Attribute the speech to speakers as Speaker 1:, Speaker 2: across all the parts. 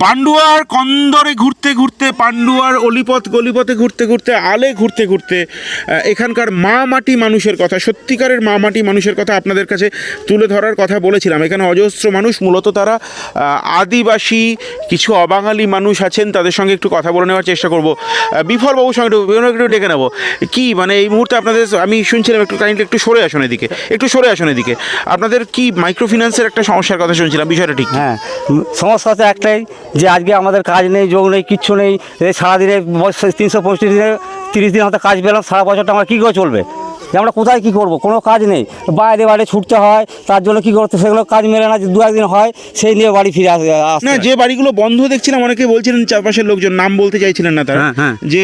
Speaker 1: পান্ডুয়ার কন্দরে ঘুরতে ঘুরতে, পান্ডুয়ার অলিপথ গলিপথে ঘুরতে ঘুরতে, আলে ঘুরতে ঘুরতে এখানকার মা মাটি মানুষের কথা, সত্যিকারের মা মাটি মানুষের কথা আপনাদের কাছে তুলে ধরার কথা বলেছিলাম। এখানে অজস্র মানুষ, মূলত তারা আদিবাসী, কিছু অবাঙালি মানুষ আছেন, তাদের সঙ্গে একটু কথা বলে নেওয়ার চেষ্টা করব। বিফলবাবুর সঙ্গে একটু ডেকে নেবো। কি মানে এই মুহূর্তে আপনাদের, আমি শুনছিলাম একটু কাইন্ডলি একটু সরে আসুন এদিকে, একটু সরে আসুন এদিকে। আপনাদের কি মাইক্রো ফিন্যান্সের একটা সমস্যার কথা শুনছিলাম, বিষয়টা ঠিক?
Speaker 2: হ্যাঁ, সমস্যা তো একটাই যে আজকে আমাদের কাজ নেই, যোগ নেই, কিচ্ছু নেই। সারাদিনে 365 দিনে 30 দিন হয়তো কাজ পেলাম, সারা বছরটা আমরা কী করে চলবে? যে আমরা কোথায় কী করবো? কোনো কাজ নেই, বাইরে বাইরে ছুটতে হয়, তার জন্য কী করতে, সেগুলো কাজ মেলে না, যে 2-1 দিন হয় সেই নিয়ে বাড়ি ফিরে আসে।
Speaker 1: না, যে বাড়িগুলো বন্ধ দেখছিলাম অনেকে বলছিলেন, চারপাশের লোকজন, নাম বলতে চাইছিলেন না তারা, যে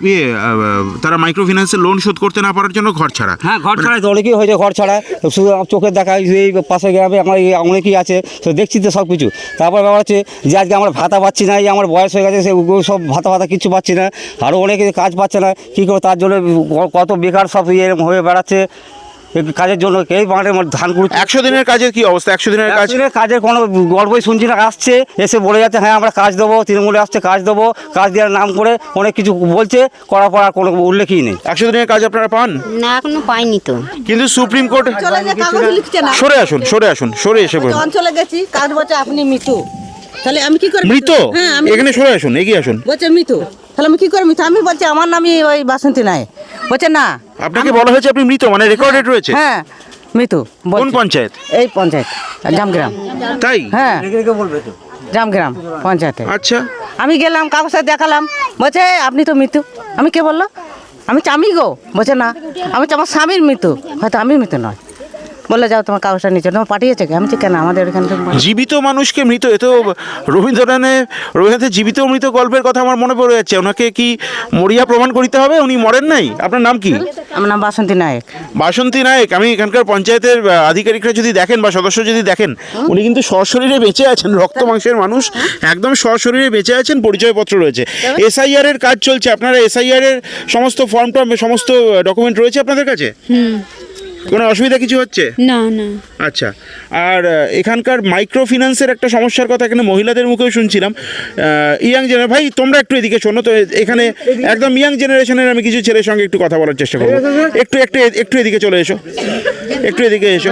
Speaker 1: তারা মাইক্রো ফিন্যান্সের লোন শোধ করতে না পারার জন্য ঘর ছাড়া।
Speaker 2: হ্যাঁ, ঘর ছাড়াই তো অনেকেই হয়েছে, ঘর ছাড়া। শুধু চোখের দেখা, এই পাশে গ্রামে আমার অনেকেই আছে, তো দেখছি তো সব কিছু। তারপর ব্যাপার হচ্ছে যে আজকে আমরা ভাতা পাচ্ছি না, এই আমার বয়স হয়ে গেছে, সব ভাতা কিছু পাচ্ছি না, আরও অনেকে কাজ পাচ্ছে না, কী করে? তার জন্য কত বেকার সব এরকম হয়ে বেড়াচ্ছে কাজের জন্য। এই মাঠের ধান কুড়ি
Speaker 1: 100 দিনের কাজের কি অবস্থা? 100 দিনের
Speaker 2: কাজের কোনো গল্পই শুনছি না। আসছে, এসে বলে যাচ্ছে হ্যাঁ আমরা কাজ দেবো, তৃণমূলে আসছে কাজ দেবো, কাজ দেওয়ার নাম করে অনেক কিছু বলছে, করার পর আর কোনো উল্লেখই নেই।
Speaker 1: 100 দিনের কাজ আপনারা পান
Speaker 3: না? এখনো পাইনি তো।
Speaker 1: কিন্তু সুপ্রিম কোর্ট, সরে আসুন, সরে আসুন, সরে এসে বলুন।
Speaker 4: অঞ্চলে গেছি, কাজ বলছে আপনি মৃত, তাহলে আমি কি করে?
Speaker 1: মৃত? এখানে সরে আসুন, এগিয়ে আসুন।
Speaker 4: বলছে মৃত, তাহলে আমি কি করে মৃত? আমি বলছি আমার নামই ওই বাসন্তী নায়ক। বলছে না,
Speaker 1: আপনাকে বলা হয়েছে আপনি মৃত, মানে রেকর্ডেড রয়েছে?
Speaker 4: হ্যাঁ মৃত।
Speaker 1: কোন পঞ্চায়েত?
Speaker 4: এই পঞ্চায়েত জামগ্রাম।
Speaker 1: তাই?
Speaker 4: হ্যাঁ, জামগ্রাম পঞ্চায়েতে।
Speaker 1: আচ্ছা,
Speaker 4: আমি গেলাম, কাগজে দেখালাম, বলছে আপনি তো মৃত্যু। আমি কে বললো? আমি গো। বলছে না, আমি তো আমার স্বামীর মৃত্যু, হয়তো আমি মৃত্যু নয়। বললে যাও তোমার কাগজটা নিচে, তোমার পাঠিয়েছে কি? আমি কেন, আমাদের এখানে
Speaker 1: জীবিত মানুষকে মৃত, এ তো রবীন্দ্রনাথের জীবিত মৃত গল্পের কথা আমার মনে পড়ে যাচ্ছে। ওনাকে কি মরিয়া প্রমাণ করিতে হবে? উনি মরেন নাই? আপনার নাম কি?
Speaker 4: আমার নাম বাসন্তী নায়ক।
Speaker 1: বাসন্তী নায়ক। আমি এখানকার পঞ্চায়েতের আধিকারিকরা যদি দেখেন বা সদস্য যদি দেখেন, উনি কিন্তু সশরীরে বেঁচে আছেন, রক্ত মাংসের মানুষ, একদম সশরীরে বেঁচে আছেন, পরিচয়পত্র রয়েছে। SIR এর কাজ চলছে, আপনারা SIR এর সমস্ত ফর্ম টর্ম, সমস্ত ডকুমেন্ট রয়েছে আপনাদের কাছে? কোনো অসুবিধা কিছু হচ্ছে
Speaker 3: না? না।
Speaker 1: আচ্ছা, আর এখানকার মাইক্রো ফিন্যান্সের একটা সমস্যার কথা এখানে মহিলাদের মুখেও শুনছিলাম। ইয়াং জেনারেশন, ভাই তোমরা একটু এদিকে শোনো তো, এখানে একদম ইয়াং জেনারেশনের আমি কিছু ছেলের সঙ্গে একটু কথা বলার চেষ্টা করবো। একটু এদিকে চলে এসো, একটু এদিকে এসো।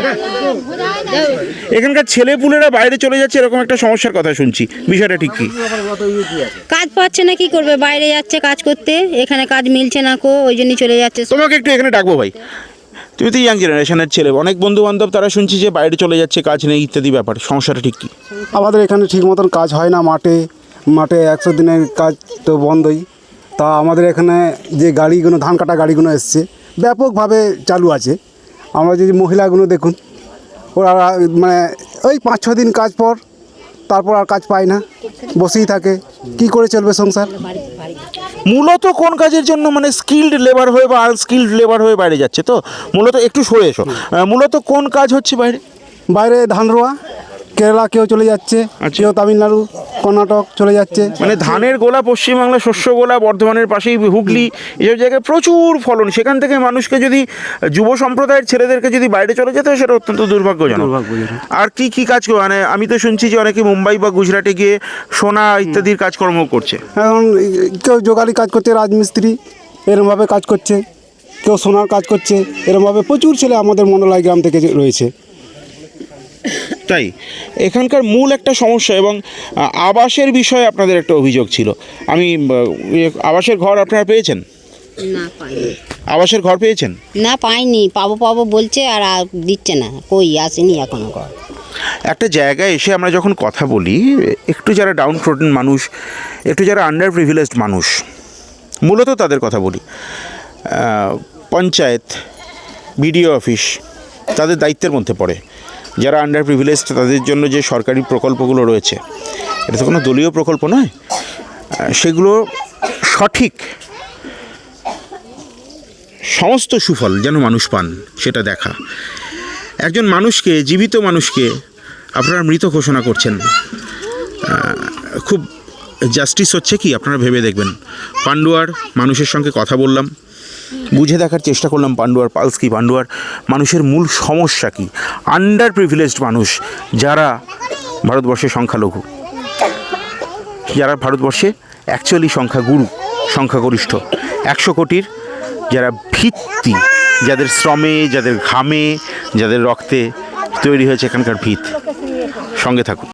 Speaker 1: এখানকার ছেলেপুলেরা বাইরে চলে যাচ্ছে, এরকম একটা সমস্যার কথা শুনছি, বিষয়টা ঠিক কি?
Speaker 3: কাজ পাচ্ছে না, কি করবে? বাইরে যাচ্ছে কাজ করতে, এখানে কাজ মিলছে না কো, ওই জন্যই চলে যাচ্ছে।
Speaker 1: তোমাকে একটু এখানে ডাকবো ভাই, তুমি তো ইয়াং জেনারেশনের ছেলে, অনেক বন্ধু বান্ধব তারা শুনছি যে বাইরে চলে যাচ্ছে, কাজ নেই ইত্যাদি ব্যাপার, সমস্যাটা ঠিক কি?
Speaker 5: আমাদের এখানে ঠিক মতন কাজ হয় না, মাঠে 100 দিনের কাজ তো বন্ধই। তা আমাদের এখানে যে গাড়িগুলো, ধান কাটা গাড়িগুলো এসছে, ব্যাপকভাবে চালু আছে। আমরা যদি মহিলাগুলো দেখুন, ওরা মানে ওই 5-6 দিন কাজ পর তারপর আর কাজ পায় না, বসেই থাকে, কি করে চলবে সংসার?
Speaker 1: মূলত কোন কাজের জন্য, মানে স্কিল্ড লেবার হয়ে বা আনস্কিল্ড লেবার হয়ে বাইরে যাচ্ছে? তো মূলত একটু সরে এসো, মূলত কোন কাজ হচ্ছে বাইরে?
Speaker 5: বাইরে ধান রোয়া, কেরালা কেউ চলে যাচ্ছে, কেউ তামিলনাড়ু, কর্ণাটক চলে যাচ্ছে।
Speaker 1: মানে ধানের গোলা, পশ্চিমবাংলা শস্য গোলা, বর্ধমানের পাশেই হুগলি, এসব জায়গায় প্রচুর ফলন, সেখান থেকে মানুষকে যদি, যুব সম্প্রদায়ের ছেলেদেরকে যদি বাইরে চলে যেতে হয়, সেটা অত্যন্ত দুর্ভাগ্যজনক। আর কি কাজ, মানে আমি তো শুনছি যে অনেকে মুম্বাই বা গুজরাটে গিয়ে সোনা ইত্যাদির কাজকর্ম করছে।
Speaker 5: এখন কেউ জোগালি কাজ করছে, রাজমিস্ত্রি এরমভাবে কাজ করছে, কেউ সোনার কাজ করছে, এরমভাবে প্রচুর ছেলে আমাদের মন্ডলাই গ্রাম থেকে রয়েছে।
Speaker 1: তাই এখানকার মূল একটা সমস্যা, এবং আবাসের বিষয়ে আপনাদের একটা অভিযোগ ছিল। আমি আবাসের ঘর আপনারা পেয়েছেন?
Speaker 3: না, পাইনি।
Speaker 1: আবাসের ঘর পেয়েছেন?
Speaker 3: না, পাইনি। পাবো বলছে, আর দিচ্ছে না, কই আসেনি এখনো ঘর।
Speaker 1: একটা জায়গায় এসে আমরা যখন কথা বলি, একটু যারা ডাউন প্রোটেন মানুষ, একটু যারা আন্ডার প্রিভিলেজড মানুষ, মূলত তাদের কথা বলি। পঞ্চায়েত, BDO অফিস তাদের দায়িত্বের মধ্যে পড়ে। যারা আন্ডার প্রিভিলেজড তাদের জন্য যে সরকারি প্রকল্পগুলো রয়েছে, এটা তো কোনো দলীয় প্রকল্প নয়, সেগুলো সঠিক সমস্ত সুফল যেন মানুষ পান, সেটা দেখা। একজন মানুষকে, জীবিত মানুষকে আপনারা মৃত ঘোষণা করছেন, খুব জাস্টিস হচ্ছে কি আপনারা ভেবে দেখবেন। পান্ডুয়ার মানুষের সঙ্গে কথা বললাম, বুঝে দেখার চেষ্টা করলাম পান্ডুয়ার পালস কী, পান্ডুয়ার মানুষের মূল সমস্যা কী। আন্ডার প্রিভিলেজড মানুষ যারা ভারতবর্ষের সংখ্যালঘু, যারা ভারতবর্ষে অ্যাকচুয়ালি সংখ্যাগরিষ্ঠ 100 কোটির যারা ভিত্তি, যাদের শ্রমে, যাদের ঘামে, যাদের রক্তে তৈরি হয়েছে এখানকার ভিত। সঙ্গে থাকুন।